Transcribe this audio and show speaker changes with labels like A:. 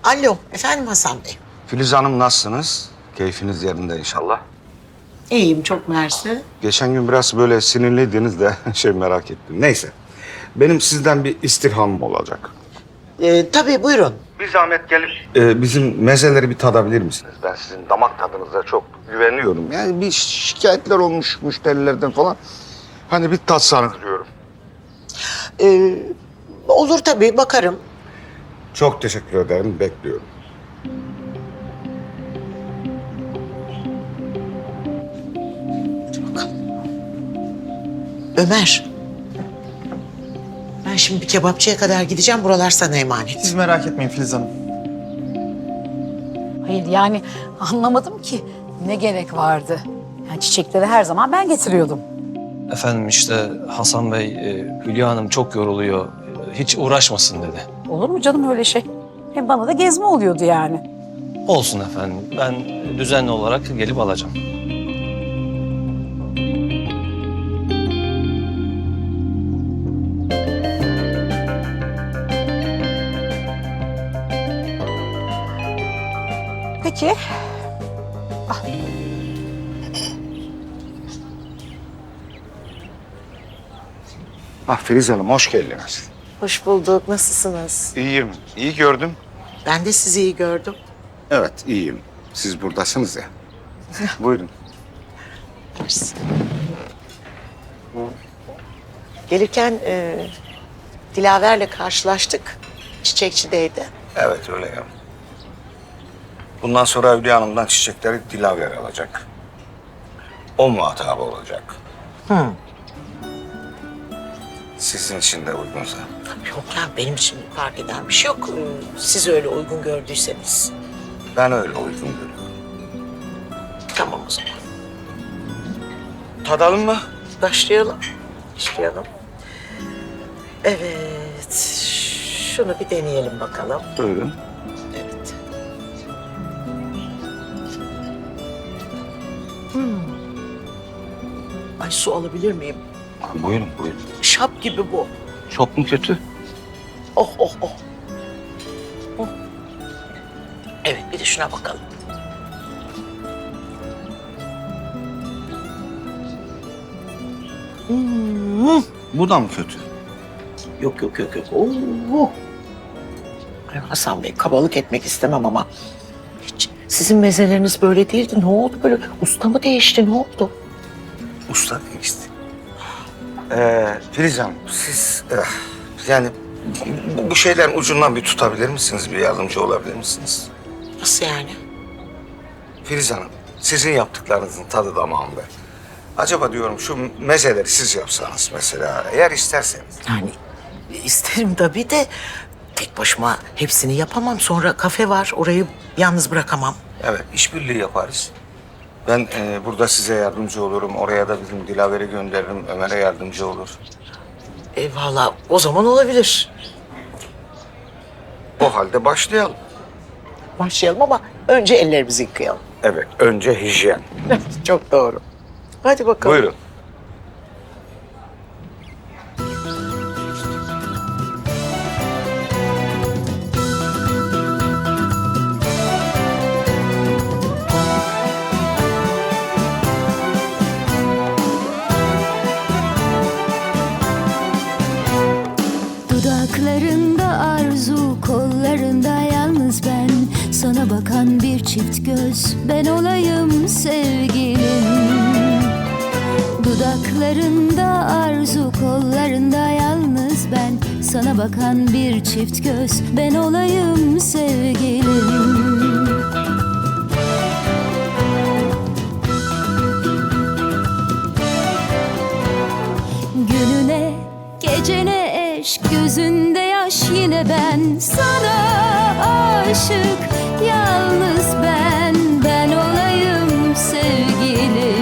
A: Alo, efendim Hasan Bey.
B: Filiz Hanım nasılsınız? Keyfiniz yerinde inşallah.
A: İyiyim, çok mersi.
B: Geçen gün biraz böyle sinirliydiniz de merak ettim. Neyse. Benim sizden bir istirhamım olacak.
A: Tabii, buyurun.
B: Bir zahmet gelip bizim mezeleri bir tadabilir misiniz? Ben sizin damak tadınıza çok güveniyorum. Yani bir şikayetler olmuş müşterilerden falan. Hani bir tatsanız diyorum.
A: Olur tabii, bakarım.
B: Çok teşekkür ederim. Bekliyorum.
A: Ömer. Ben şimdi bir kebapçıya kadar gideceğim. Buralar sana emanet.
C: Siz merak etmeyin Filiz Hanım.
D: Hayır yani anlamadım ki ne gerek vardı. Yani çiçekleri her zaman ben getiriyordum.
E: Efendim işte Hasan Bey, Hülya Hanım çok yoruluyor. Hiç uğraşmasın dedi.
D: Olur mu canım öyle şey? Hem bana da gezme oluyordu yani.
E: Olsun efendim. Ben düzenli olarak gelip alacağım.
D: Peki.
B: Filiz Hanım hoş geldiniz.
A: Hoş bulduk. Nasılsınız?
B: İyiyim. İyi gördüm.
A: Ben de sizi iyi gördüm.
B: Evet iyiyim. Siz buradasınız ya. Buyurun.
A: Gelirken Dilaver'le karşılaştık. Çiçekçideydi.
B: Evet öyle ya. Bundan sonra Hülya Hanım'dan çiçekleri Dilaver alacak. O muhatabı olacak.
A: Hı.
B: Sizin için de uygunsa.
A: Yok ya, benim için fark eden bir şey yok. Siz öyle uygun gördüyseniz.
B: Ben öyle uygun görüyorum.
A: Tamam o zaman.
B: Tadalım mı?
A: Başlayalım. Başlayalım. Evet. Şunu bir deneyelim bakalım.
B: Buyurun.
A: Evet. Ay, su alabilir miyim?
B: Buyurun buyurun.
A: Şap gibi bu.
B: Çok mu kötü?
A: Oh oh oh. Oh. Evet, bir de şuna bakalım.
B: Bu da mı kötü?
A: Yok yok yok yok. Oo. Ay Hasan Bey, kabalık etmek istemem ama hiç sizin mezeleriniz böyle değildi. Ne oldu böyle? Usta mı değişti? Ne oldu?
B: Usta değişti. Filiz Hanım siz yani bu şeylerin ucundan bir tutabilir misiniz? Bir yardımcı olabilir misiniz?
A: Nasıl yani?
B: Filiz Hanım sizin yaptıklarınızın tadı damağımda. Acaba diyorum şu mezeleri siz yapsanız mesela eğer isterseniz.
A: Yani isterim tabii de tek başıma hepsini yapamam. Sonra kafe var, orayı yalnız bırakamam.
B: Evet, işbirliği yaparız. Ben burada size yardımcı olurum. Oraya da bizim Dilaver'i gönderirim. Ömer'e yardımcı olur.
A: Valla o zaman olabilir.
B: O halde başlayalım.
A: Başlayalım ama önce ellerimizi yıkayalım.
B: Evet, önce hijyen.
A: Çok doğru. Hadi bakalım.
B: Buyurun.
F: Dudaklarında arzu, kollarında yalnız ben. Sana bakan bir çift göz, ben olayım sevgilim. Dudaklarında arzu, kollarında yalnız ben. Sana bakan bir çift göz, ben olayım sevgilim. Gününe, gecene eş, gözünde yaş yine ben. Sana aşık, yalnız ben olayım sevgilim.